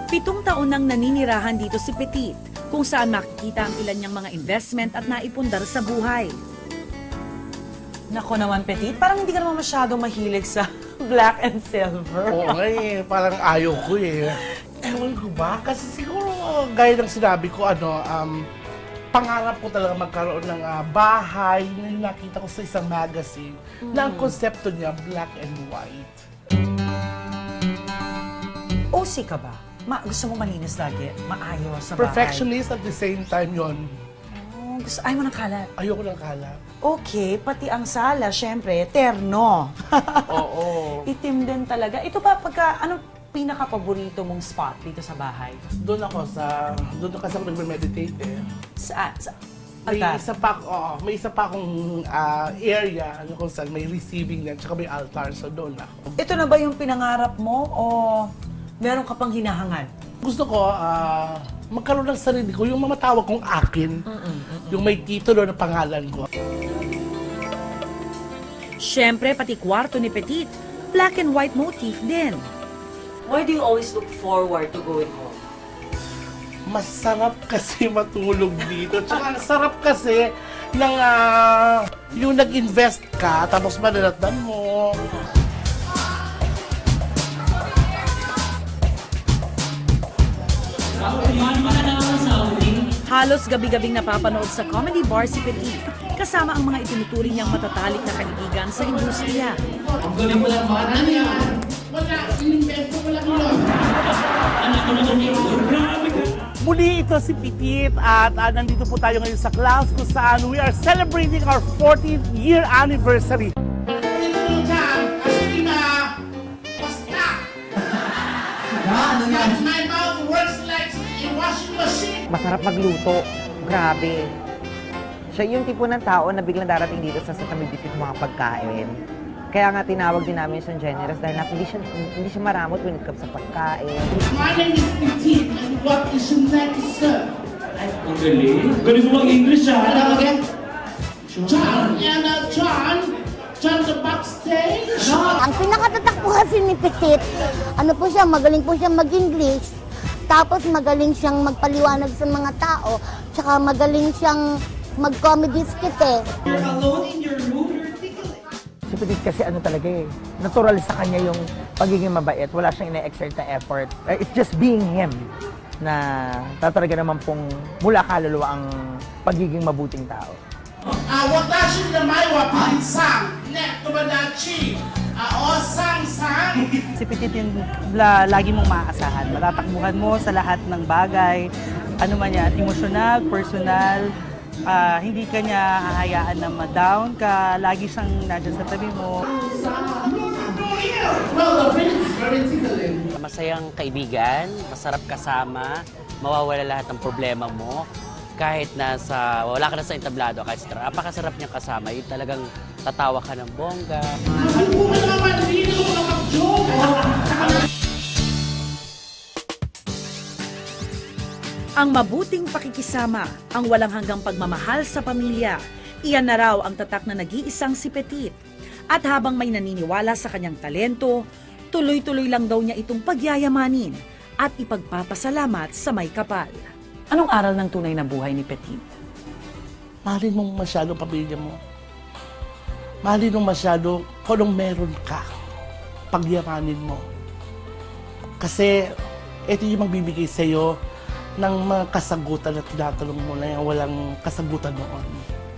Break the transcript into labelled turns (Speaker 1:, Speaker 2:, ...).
Speaker 1: 7 taon nang naninirahan dito si Petit, kung saan makikita ang ilan niyang mga investment at naipundar sa buhay.
Speaker 2: Nako naman, Petit, parang hindi ka naman masyadong mahilig sa black and silver.
Speaker 3: Oo nga eh, parang ayaw ko eh. Ewan ko ba? Kasi siguro, gaya ng sinabi ko, pangarap ko talaga magkaroon ng bahay na nakita ko sa isang magazine na ang konsepto niya, black and white.
Speaker 2: OC ka ba? Gusto mo malinis lagi? Maayos sa bahay?
Speaker 3: Perfectionist at the same time yon.
Speaker 2: Oh, ayaw mo ng kalat?
Speaker 3: Ayoko ng kalat.
Speaker 2: Okay, pati ang sala, syempre, terno.
Speaker 3: Oo.
Speaker 2: Itim din talaga. Ito ba, anong pinaka-paborito mong spot dito sa bahay?
Speaker 3: Doon kasi ako nagme-meditate eh.
Speaker 2: Saan?
Speaker 3: May isa pa akong area kung saan may receiving yan, tsaka may altar, so doon ako.
Speaker 2: Ito na ba yung pinangarap mo o meron ka pang hinahangad?
Speaker 3: Gusto ko, magkaroon ng sarili ko, yung mamatawag kong akin, yung may titulo na pangalan ko.
Speaker 1: Siyempre, pati kwarto ni Petit, black and white motif din.
Speaker 2: Why do you always look forward to going home?
Speaker 3: Masarap kasi matulog dito. Tsaka ang sarap kasi ng yung nag-invest ka, tapos manalatdan mo.
Speaker 1: Halos gabi-gabing napapanood sa comedy bar si Petit, kasama ang mga itinuturing niyang matatalik na kaibigan sa industriya.
Speaker 3: Ang galing mo lang ba? Ano yan? Wala, inimbento ko lang yun. Muli ito si Petit at nandito po tayo ngayon sa class kung saan we are celebrating our 14th year anniversary.
Speaker 4: Masarap magluto. Grabe. Siya yung tipo ng tao na biglang darating dito sa tamibitip mga pagkain. Kaya nga tinawag din namin siyang generous dahil hindi siya maramot when it comes sa pagkain.
Speaker 3: My name is Petit and what is your next, sir?
Speaker 5: Ang galing. Galing mo mag-English, ha?
Speaker 3: Ano again? John and John the backstage.
Speaker 6: Ang pinakatatak po kasi ni Petit, magaling po siya mag-English. Tapos magaling siyang magpaliwanag sa mga tao, tsaka magaling siyang mag-comedy skit eh.
Speaker 5: You're alone in your room, you're tickling.
Speaker 4: Si Petit kasi talaga eh, natural sa kanya yung pagiging mabait. Wala siyang ina-exert na effort. It's just being him na tatalaga naman pong mula kaluluwa ang pagiging mabuting tao.
Speaker 3: Watashi na may wapinsang, neto badachi. Sang.
Speaker 7: Si Petit yung lagi mong maaasahan. Matatakbuhan mo sa lahat ng bagay, ano man yan, emosyonal, personal, hindi ka niya hahayaan na ma-down ka, lagi siyang nandiyan sa tabi mo.
Speaker 8: Masayang kaibigan, masarap kasama, mawawala lahat ng problema mo. Kahit wala ka na sa entablado, kahit napakasarap niyang kasama, yung talagang tatawa ka ng bongga.
Speaker 1: Ang mabuting pakikisama, ang walang hanggang pagmamahal sa pamilya, iyan na raw ang tatak na nag-iisang si Petit. At habang may naniniwala sa kanyang talento, tuloy-tuloy lang daw niya itong pagyayamanin at ipagpapasalamat sa may kapal.
Speaker 2: Anong aral ng tunay na buhay ni Petit?
Speaker 3: Mahalin mong masyado pamilya mo. Mahalin mong masyado kung anong meron ka. Pagyamanin mo. Kasi ito yung magbibigay sa'yo ng mga kasagutan na tinatanong mo na yung walang kasagutan noon.